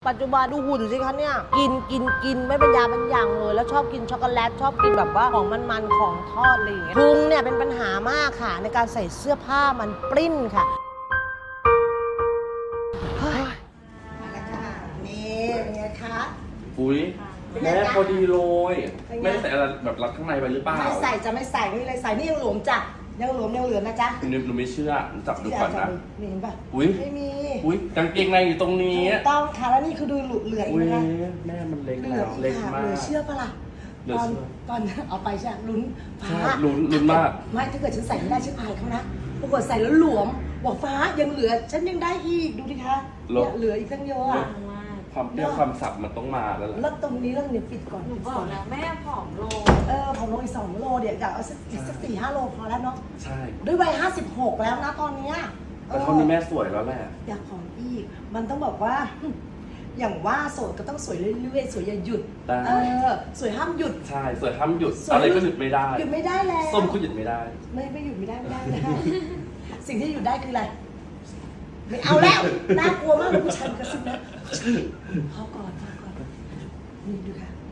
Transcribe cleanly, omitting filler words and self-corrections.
ปัจจุบันดูหุ่นสิคะเนี่ยกินไม่เป็นยาเป็นอย่างเลยแล้วชอบกินช็อกโกแลตชอบกินแบบว่าของมันๆของทอดอะไรอย่างเงี้ยพุงเนี่ยเป็นปัญหามากค่ะในการใส่เสื้อผ้ามันปริ้นค่ะเฮ้ยมาแล้วค่ะนี่เป็นไงคะอุ้ยแม่พอดีเลยแม่ใส่อะไรแบบรัดข้างในไปหรือเปล่าไม่ใส่จะไม่ใส่ไม่เลยใส่นี่ยังหลวมจ้ะยังหลวมยังเหลือนะจ๊ะหนูไม่เชื่อจับดูก่อนนะนี่เห็นป่ะอุ้ยไม่มีอุ้ยกางเกงในอยู่ตรงนี้ถูกต้องค่ะแล้วนี่คือดูเหลืออีอุ้กยนะคะแม่มันเล็กเหลืแล้อวอีเล็กกค่ะมาเหลืกอเชื่อปะล่ะเหลือเชื่อตอนเอาไปใช่ลุ้นฟ้าใช่ลุ้นมากไม่ถ้าเกิดฉันใส่ไม่ได้ฉันอายเขานะปรากฏใส่แล้วหลวมบอกฟ้ายังเหลือฉันยังได้อีกดูดิคะเนี่ยเหลืออีกตั้งเยอะอะความเปรี้ยวความสับมันต้องมาแล้วล่ะแล้วตรงนี้เรื่องนี้ปิดก่อนหนูบอกแล้วแม่ผอมลงผมลงอีก2 โลเดี๋ยวอยากเอาสัก4-5 โลพอแล้วเนาะใช่ด้วยวัย56แล้วนะตอนเนี้ยแต่เท่านี้แม่สวยแล้วแหละอยากผอมอีกมันต้องบอกว่า อย่างว่าโสดก็ต้องสวยเรื่อยๆสวยอย่าหยุดได้สวยห้ามหยุดใช่สวยห้ามหยุดสวยอะไรก็หยุดไม่ได้หยุดไม่ได้แล้วส้มก็หยุดไม่ได้ไม่หยุดไม่ได้ไม่ได้ สิ่งที่หยุดได้คืออะไรไม่เอาแล้วน่ากลัวมากเลยผู้ชายกระซิบนะพอก่อนนี่ดูค่ะ